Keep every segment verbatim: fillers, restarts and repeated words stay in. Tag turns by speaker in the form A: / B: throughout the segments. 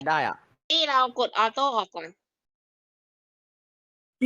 A: ได้อ่ะ
B: ที่เรากดออโต้ออกก่อน
A: มี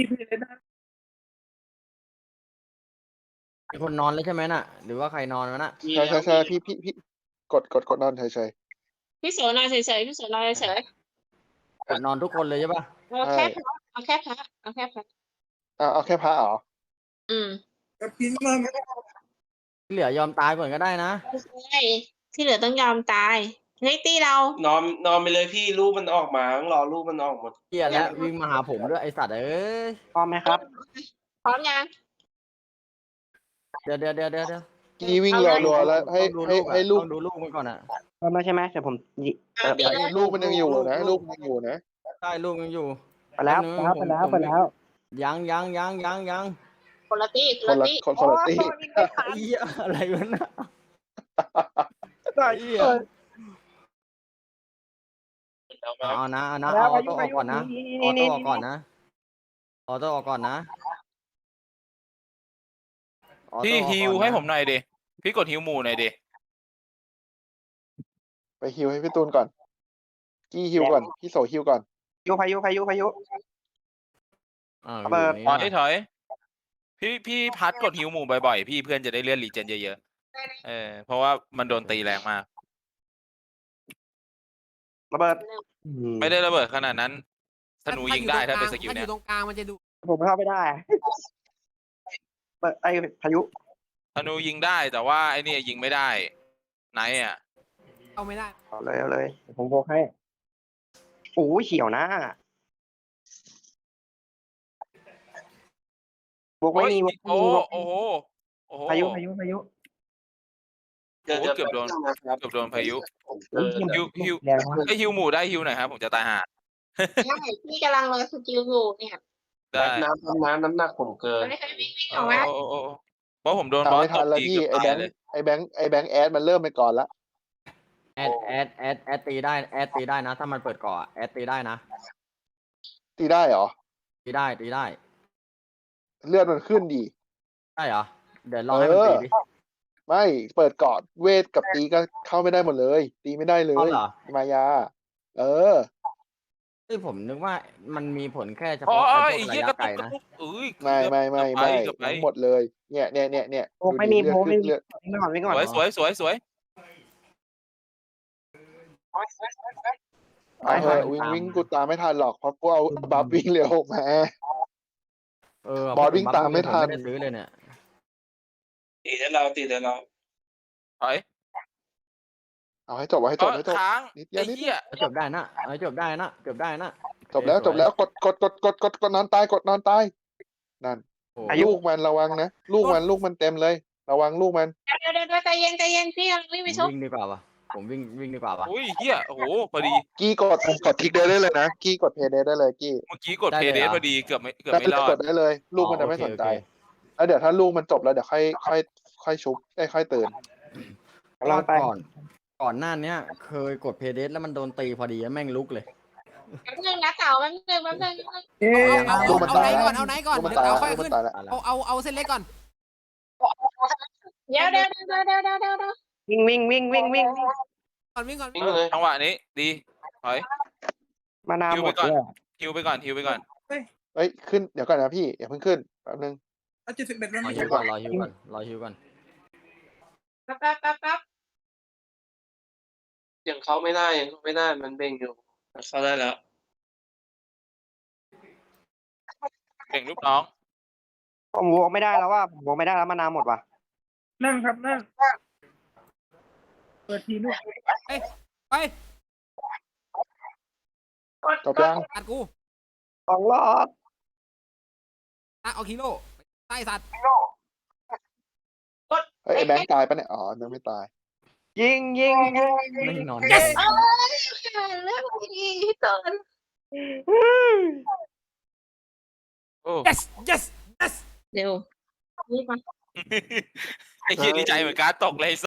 A: คนนอนแล้วใช่ไหมน่ะ หรือว่าใครนอนวะน่ะ
C: ใช่ใช่ใช่พี่พี่พี่กดกดกดนอนเฉยเฉย
B: พี่โสนอนเฉยๆพี่โสนอนเฉย
A: กดนอนทุกคนเลยใช่ปะ
B: ๆเอาแค่พระเอาแค่พระเอาแค่พระ
C: อ่าเอาแค่พระเหรอ
B: อืม
A: ที่เหลือยอมตายก่อนก็ได้นะ
B: ใช่ที่เหลือต้องยอมตายเฮ้ยตีเรา
D: นอนนอนไปเลยพี่รูปมันออกมาต้องรอรูปมันออกหมด
A: เกียแล้ววิ่งมาหาผมด้วยไอสัตว์เอ้ย
E: พร้อมไหมครับ
B: พร้อมยัง
A: เดี๋ยวเดี๋ยวเดี๋ยวเดี๋ยวเดี๋ยว
C: กี้วิ่ง
B: เอาเลย
C: รัวๆแล้วให้
A: ต้องดู
C: ให้
A: ลูกอะ
C: ให้ลูก
A: ต้องดูลูกมันก่อนอ่ะ
E: พร้อมแล้วใช่ไหมเดี๋ยวผมยิ
B: เอาดี
C: ไอ้
B: เลย
C: ลูกมันยังอยู่นะลูกมันยังอยู่นะ
A: ได้ลูกยังอยู่
E: ไปแล้ว
A: นึง
E: ไปแล้ว
A: ผม
E: ไปแล้ว
A: ผม
E: ไปแล้ว
A: ยังยังยังยังยัง
B: คนละตีค
C: คน น
B: ละ
C: ละ
B: ตี
C: คนคนละตี
B: โอ้ยไม่ทัน
A: ไอ้เหี้ยอะไรวะน่ะ
E: ได้
A: ไอ้เหี้ยเอานะเอานะ
E: แล้
A: เอา
E: ว
A: อ
E: ไป
A: อโต้ออกก่อนนะอ
E: นี่
A: อ
E: นี่
A: โต้
E: นี่
A: ออกก่อนนะออโต้ออกก่อนนะออโต้
F: พี่
A: ออก
F: ฮิ
A: ก่
F: วน
A: นะ
F: ให้ผมหน่อยดิ พี่กดฮิวหมู่หน่อยดิ
C: ไปฮิวให้พี่ตูนก่อน กี้ฮิวก่อนพี่โสฮิวก่อน
E: พายุพายุพายุพายุ
A: อ่า
E: ระเบิด
A: อยู่
F: ถอย
A: นี่
F: ถอย พี่พี่พัดกดฮิวหมู่บ่อยๆ พี่เพื่อนจะได้เลื่อนรีเจนเยอะๆ เออ เพราะว่ามันโดนตีแรงมาก
E: ระเบิด
F: ไม่ได้ระเบิดขนาดนั้นธนูยิงได้ถ้าเป็นสกิล
G: ถ้าอ
F: เนี้ย
G: ยู่ตรงกลางมันจะดู
E: ผมเข้าไม่ได้เปิดไอ้พายุ
F: ธนูยิงได้แต่ว่าไอ้นี่ยิงไม่ได้ไหนอ่ะ
G: เข้าไม่ได้
E: เอาเลยเอาเลยเดี๋ยวผมโบกให้โอ้ยเขียวนะบวกไม่
F: โอ้ย
E: มีบวกไม่
F: โอ้
E: มีบวก
F: โอ้โหโอ้โห
E: พายุพายุพายุ
D: เดี๋ยว
F: โอ้
D: เดี๋ยว
F: เกือบโดน
D: นะครับ
F: เกือบโดนพายุ
D: ผมเจ
E: โอ้ย
D: อ
E: เขียว
F: ฮิวฮิว
E: แรงมาก
F: ไอยฮิวหมู่ได้ฮิวหน่อยครับผมจะตายห่า
B: ใช่พี่กำลังรอสกิลอยู่เนี่ย
F: ได้
D: น้ำน้ำน้ำหนักผมเกิน
B: ไม่เคยวิ่งวิ่งอ
F: โอ้
B: อกมา
F: โอ้โอ้โอ้เพราะผมโดน
C: ตาม
F: บอส
C: ไม่
F: ต
C: ทัน
F: บ
C: แล้ว
F: ตี
C: พี่
F: เกือบ
C: ไอ้แบ
F: ตาย
C: ง
F: เล
C: ค์
F: ย
C: ไอ้แบงค์ไอ้แบงค์แอดมันเริ่มไปก่อนละ
A: แอดแอดแอดแอดตีได้แอดตีได้นะ ถ้ามันเปิดเกาะแอดตีได้นะ
C: ตีได้เหรอ
A: ตีได้ตีได้
C: เลือดมันขึ้นดี
A: ได้เหรอเดี๋ยวลองให้มัน
C: เออ
A: ตีดิ
C: ไม่เปิดเกาะเวทกับตีก็เข้าไม่ได้หมดเลย ตีไม่ได้เล
A: อ๋อย เหรอ
C: มายา เออ
A: เอ้ยผมนึกว่ามันมีผลแค่เฉ
F: อ๋อ
A: พาะ
F: อ๋อ
A: ไอ้พวก
F: ไอ้เหี้
A: ระ
F: ย
A: ยะ
F: กระ
A: ไกล
F: ตุกกระ
A: นะ
F: ตุกเอ้ย
C: ไม่ไม่ไม่
F: เกือบไป
C: ไม่
F: เกือบไป
C: ทั้งหมดเลย เนี่ยเนี่ยเนี่ยเนี่ย
E: โบกไม่มี
C: ดู
E: โบ
C: ดิ
E: กไม่มี
C: เลือด
E: วิ่งก่อนวิ่งก่อน
F: สวยสวยสวยสวย
C: เอาเถอะวิ่งวิ่งกูตามไม่ทันหรอกเพราะกูเอาบัฟวิ่งเร็วมา
A: เออบ
C: อสวิ่งตามไม่ทัน
A: ผไม่ได้ซื้อเลยเนี่ย
D: ตีแต่เราตีแต่เรา
F: ถอย
C: เอาให้จบเอาให้จบ
F: เอ้
C: ให้
F: ย
C: จบ
F: ค้าง
C: นิดเดียว
F: ไอ้
C: นิด
F: เหี้ย
A: จบได้นะเอาจบได้นะจบได้นะ
C: จบแล้วจบแล้วกดกดกดกดกดกดนอนตายกดนอนตายนั่น
A: โอ้
C: ลูกมันระวังนะลูกมันลูกมันเต็มเลย ระวังลูกมัน
B: เดี๋ยวเดี๋ยวเดี๋ยวใจเย็นใจเย็นพี่กำลังวิ่ง
A: ผ
B: ไป
A: ม
B: ชก
A: วิ่งดีกว่าวะผมวิ่งวิ่งดีกว่าวะ
F: อุ้ยเหี้ยโอ้โหพอดี
C: กี้กดกดทิกเดได้เลยนะกี้กดเพย์เดได้เลยกี้
F: เมื่อกี้กดเพย์เดสพอดีเกือบไม่เกือบ
C: ได้
F: ไม่
C: เล
F: ร
C: ย
F: อก ด
C: ดได้เลย ลูกมันจะไม่สนใจ
A: โอเค
C: แล้วเดี๋ยวถ้าลูกมันจบแล้วเดี๋ยวค่อยค่อยค่อยชุบได้ค่อยตื่น
A: เพราะว่าก่อนก่อนหน้าเนี้ยเคยกดเพย์เดสแล้วมันโดนตีพอดีแม่งลุกเลย
B: แป๊บนึงนะเต่าแป๊บนึงแป๊บนึง
G: เอาเอา
C: ลูกมัน
G: เอา
C: ตาย
G: ไหนก่อนเอาไหนก่อน
C: ลูกมัน
G: เดี๋ยว
C: ตาย
G: เอาค่อย
C: ลูกมั
G: ขึ้น
C: นตายแล้ว
G: เอาเอาเอาเส้นเล็กก่อน
B: เดี๋ยวเดี๋ยวเดี๋ยวเดี๋ยวเดี๋ยวเดี๋ยวเดี๋ยว
E: วิ่งวิ่งวิ่งวิ่งวิ่ง
G: ก่อนวิ่งก่อน
D: วิ่งเลย
F: จังหวะนี้ดีถอย
E: มานา
F: ฮิว
E: หม
F: ไป
E: ด
F: ก่อน
E: เลย
F: ฮิวไปก่อนฮิวไปก่อน
C: เอ้ยขึ้นเดี๋ยวก่อนนะพี่อย่าเพิ่งขึ้นแป๊บนึง
A: รอฮิวก่อนรอฮิวก่อนรอฮิวก่อน
B: แป๊บแป๊บแป๊บแป๊บ
D: ยังเข้าไม่ได้ยังเข้าไม่ได้มันเบ่งอยู่เข้าได้แล้ว
F: เก่งลูกน้อง
E: ผมโบกไม่ได้แล้วว่าผมโบกไม่ได้แล้วมานาหมดว่ะ
A: นั่งครับนั่งเปิดทีลูก
G: ไป
C: จบยัง
G: ตัดกู
E: สองรอบ
G: ตัดเอาคิโลใต้สัตว์
C: เฮ้ยไอ้แบงค์ตายปะเนี่ยอ๋อยังไม่ตาย
E: ยิงยิงยิง
A: ไม่นอน
B: เอ้ยเรื่องดีเกิน
F: โอ้
G: yes yes yes
B: เดี๋ยวนี่มา
F: ไอ้เหี้ยดีใจเหมือนการตกเลย